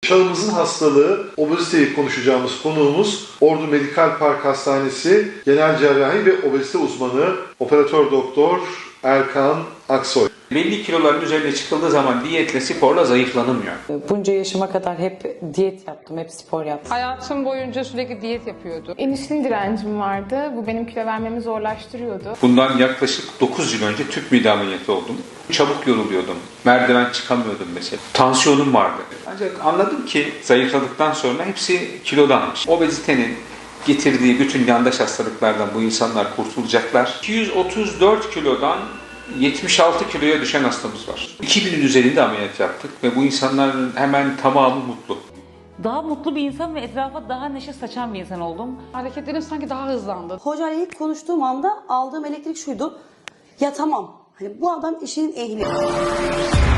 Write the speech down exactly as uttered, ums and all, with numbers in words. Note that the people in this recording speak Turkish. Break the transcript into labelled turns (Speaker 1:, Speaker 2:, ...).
Speaker 1: Çağımızın hastalığı, obeziteyi konuşacağımız konuğumuz Ordu Medikal Park Hastanesi Genel Cerrahi ve Obezite Uzmanı Operatör Doktor Erkan Aksoy.
Speaker 2: Belli kiloların üzerine çıkıldığı zaman diyetle, sporla zayıflanamıyor.
Speaker 3: Bunca yaşıma kadar hep diyet yaptım, hep spor yaptım.
Speaker 4: Hayatım boyunca sürekli diyet yapıyordu.
Speaker 5: İnsülin direncim vardı. Bu benim kilo vermemi zorlaştırıyordu.
Speaker 2: Bundan yaklaşık dokuz yıl önce tüp mide ameliyatı oldum. Çabuk yoruluyordum. Merdiven çıkamıyordum mesela. Tansiyonum vardı. Ancak anladım ki zayıfladıktan sonra hepsi kilodanmış. Obezitenin getirdiği bütün yandaş hastalıklardan bu insanlar kurtulacaklar. iki yüz otuz dört kilodan yetmiş altı kiloya düşen hastamız var. iki binin üzerinde ameliyat yaptık ve bu insanların hemen tamamı mutlu.
Speaker 6: Daha mutlu bir insan ve etrafa daha neşe saçan bir insan oldum.
Speaker 4: Hareketlerim sanki daha hızlandı.
Speaker 7: Hocayla ilk konuştuğum anda aldığım elektrik şuydu. Ya tamam, hani bu adam işinin ehli.